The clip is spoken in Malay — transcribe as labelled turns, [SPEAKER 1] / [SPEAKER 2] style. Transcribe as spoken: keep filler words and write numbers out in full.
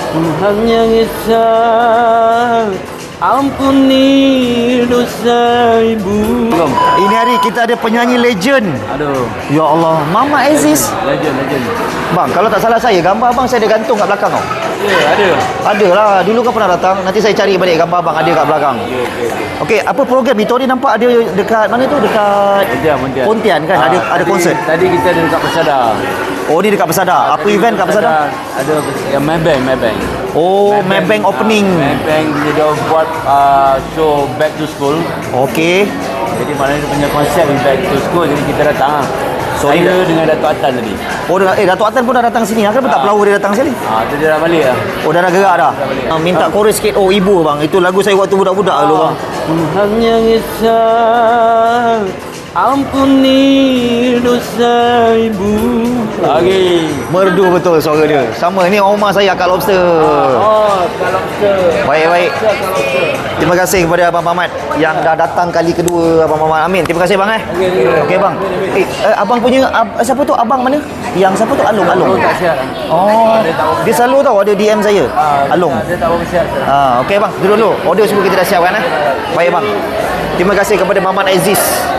[SPEAKER 1] Tuhan yang Esa, ampuni dosa ibu.
[SPEAKER 2] Ini hari kita ada penyanyi legend.
[SPEAKER 1] Aduh,
[SPEAKER 2] Ya Allah, Mama Aziz.
[SPEAKER 1] legend, legend.
[SPEAKER 2] Bang, kalau tak salah saya, gambar abang saya ada gantung kat belakang tau.
[SPEAKER 1] Ya, ada.
[SPEAKER 2] Ada lah, dulu kan pernah datang. Nanti saya cari balik gambar abang ada kat belakang.
[SPEAKER 1] Okey, okey, okey.
[SPEAKER 2] Okey, apa program itu? Tadi nampak ada dekat mana tu? Dekat
[SPEAKER 1] Pontian, Pontian.
[SPEAKER 2] Pontian kan? Ada ada
[SPEAKER 1] tadi,
[SPEAKER 2] konsert.
[SPEAKER 1] Tadi kita ada dekat Persada.
[SPEAKER 2] Oh, ni dekat Persada. Apa
[SPEAKER 1] Tadi
[SPEAKER 2] event kat Persada?
[SPEAKER 1] Ada yang Maybank, Maybank.
[SPEAKER 2] Oh, Maybank opening.
[SPEAKER 1] Ah, Maybank dia dah buat uh, show Back to School.
[SPEAKER 2] Okey.
[SPEAKER 1] Jadi maknanya dia punya konsep Back to School. Jadi kita datang lah.
[SPEAKER 2] So,
[SPEAKER 1] Saya
[SPEAKER 2] dia-
[SPEAKER 1] dengan Datuk Atan tadi.
[SPEAKER 2] Oh, dah- eh Datuk Atan pun dah datang sini. Kenapa tak
[SPEAKER 1] Ah.
[SPEAKER 2] pelawak dia datang sekali?
[SPEAKER 1] Ah, tu dia dah balik lah.
[SPEAKER 2] Oh, dah dah gerak dah. Ah, minta chorus sikit. Oh, ibu bang. Itu lagu saya waktu budak-budak dulu bang.
[SPEAKER 1] Tuhan yang Esa, ampuni dosa ibu. Lagi.
[SPEAKER 2] Merdu betul suara dia. Sama ni Omar saya kat Lobster.
[SPEAKER 1] Oh, kalau kita.
[SPEAKER 2] Baik, baik.
[SPEAKER 1] Kalau kita.
[SPEAKER 2] Terima kasih kepada Abang Mamat yang dah datang kali kedua, Abang Mamat. Amin. Terima kasih bang eh.
[SPEAKER 1] Okey, okey.
[SPEAKER 2] Okey bang. Eh, eh, abang punya ab, siapa tu abang mana? Yang siapa tu Along Along.
[SPEAKER 1] Oh, tak siap.
[SPEAKER 2] Oh, dia selalu tahu ada D M saya.
[SPEAKER 1] Ah,
[SPEAKER 2] Along.
[SPEAKER 1] Dia tak berapa siap.
[SPEAKER 2] Ah, okey bang. Duduk dulu. Order semua kita dah siapkan eh. Baik bang. Terima kasih kepada Mamat Aziz.